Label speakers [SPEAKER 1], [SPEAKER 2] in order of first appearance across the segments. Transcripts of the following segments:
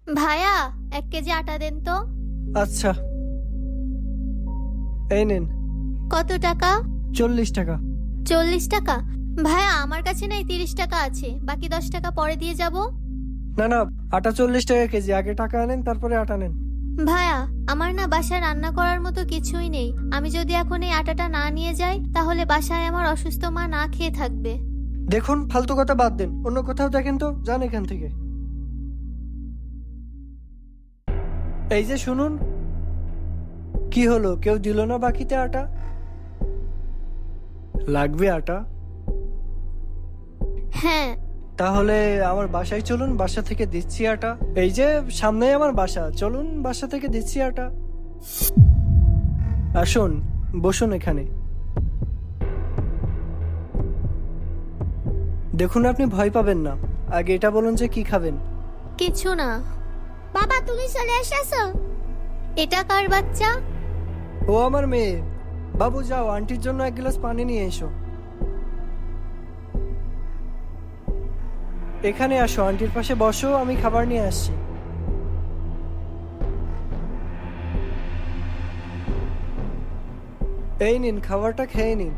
[SPEAKER 1] ভাইয়া 1 কেজি আটা দেন তো।
[SPEAKER 2] আচ্ছা, এই নেন।
[SPEAKER 1] কত টাকা?
[SPEAKER 2] 40 টাকা।
[SPEAKER 1] 40 টাকা? ভাইয়া আমার কাছে নাই 30 টাকা আছে, বাকি 10 টাকা পরে দিয়ে যাব।
[SPEAKER 2] না না, আটা 40 টাকা কেজি। আগে টাকা আনেন, তারপরে আটা নেন।
[SPEAKER 1] ভাইয়া আমার না বাসায় রান্না করার মতো কিছুই নেই। আমি যদি এখন এই আটাটা না নিয়ে যাই তাহলে বাসায় আমার অসুস্থ মা না খেয়ে থাকবে।
[SPEAKER 2] দেখুন, ফালতু কথা বাদ দেন, অন্য কোথাও দেখেন তো, যান এখান থেকে। এই যে শুনুন, কি হলো, কেউ দিল না বাকিতে আটা? লাগবে আটা?
[SPEAKER 1] হ্যাঁ।
[SPEAKER 2] তাহলে আমার বাসায় চলুন, বাসা থেকে দিচ্ছি আটা। এই যে সামনেই আমার বাসা, চলুন বাসা থেকে দিচ্ছি আটা। আসুন, বসুন এখানে। দেখুন, আপনি ভয় পাবেন না। আগে এটা বলুন যে কি খাবেন।
[SPEAKER 1] কিছু না। বাবা তুমি চলে এসেছো? এটা কার বাচ্চা?
[SPEAKER 2] ও আমার মেয়ে। বাবু যাও, আন্টির জন্য 1 গ্লাস পানি নিয়ে এসো। এখানে আসো, আন্টির পাশে বসো, আমি খাবার নিয়ে আসছি। এই নিন, খাবারটা খেয়ে নিন।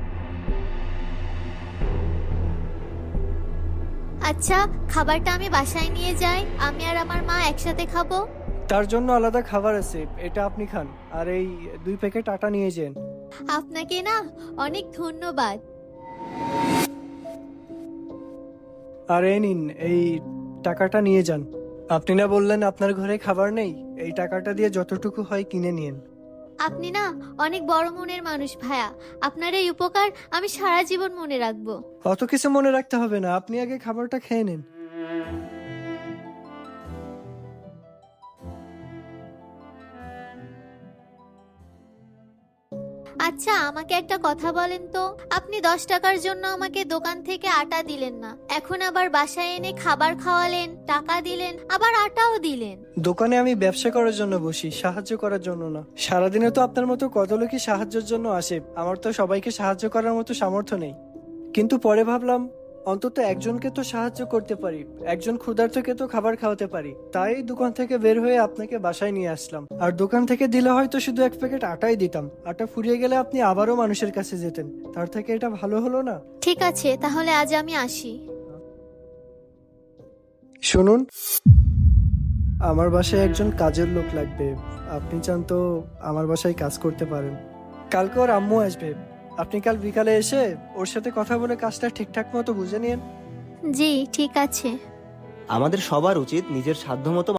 [SPEAKER 1] আচ্ছা, খাবারটা আমি বাসায় নিয়ে যাই, আমি আর আমার মা একসাথে খাবো।
[SPEAKER 2] তার জন্য আলাদা খাবার আছে, এটা আপনি খান। আর এই 2 প্যাকেট আটা নিয়ে যান।
[SPEAKER 1] আপনাকে না অনেক ধন্যবাদ।
[SPEAKER 2] আর এই নিন, এই টাকাটা নিয়ে যান। আপনি না বললেন আপনার ঘরে খাবার নেই? এই টাকাটা দিয়ে যতটুকু হয় কিনে নিন।
[SPEAKER 1] আপনি না অনেক বড় মনের মানুষ ভাইয়া। আপনার এই উপকার আমি সারা জীবন মনে রাখবো।
[SPEAKER 2] অত কিছু মনে রাখতে হবে না, আপনি আগে খাবারটা খেয়ে নিন।
[SPEAKER 1] আচ্ছা আমাকে একটা কথা বলেন তো, আপনি 10 টাকার জন্য আমাকে দোকান থেকে আটা দিলেন না, এখন আবার বাসায় এনে খাবার খাওয়ালেন, টাকা দিলেন, আবার আটাও দিলেন।
[SPEAKER 2] দোকানে আমি ব্যবসা করার জন্য বসি, সাহায্য করার জন্য না। সারাদিনে তো আপনার মতো কত লোকই সাহায্যের জন্য আসে, আমার তো সবাইকে সাহায্য করার মতো সামর্থ্য নেই। কিন্তু পরে ভাবলাম, অন্তত একজনকে তো সাহায্য করতে পারি, একজন ক্ষুধার্তকে তো খাবার খাওয়াতে পারি। তাই দোকান থেকে বের হয়ে আপনাকে বাসায় নিয়ে আসলাম। আর দোকান থেকে দিলে হয়তো শুধু 1 প্যাকেট আটাই দিতাম, আটা ফুরিয়ে গেলে আপনি আবারও মানুষের কাছে যেতেন। তার থেকে এটা ভালো হলো না?
[SPEAKER 1] ঠিক আছে, তাহলে আজ আমি আসি।
[SPEAKER 2] শুনুন, আমার বাসায় একজন কাজের লোক লাগবে। আপনি চান তো আমার বাসায় কাজ করতে পারেন। কালকে ওর আম্মু আসবে, আপনি কাল বিকালে এসে ওর সাথে কথা বলে কাজটা ঠিকঠাক মতো বুঝে নিন।
[SPEAKER 1] জি ঠিক আছে।
[SPEAKER 3] আমাদের সবার উচিত নিজের সাধ্যমতো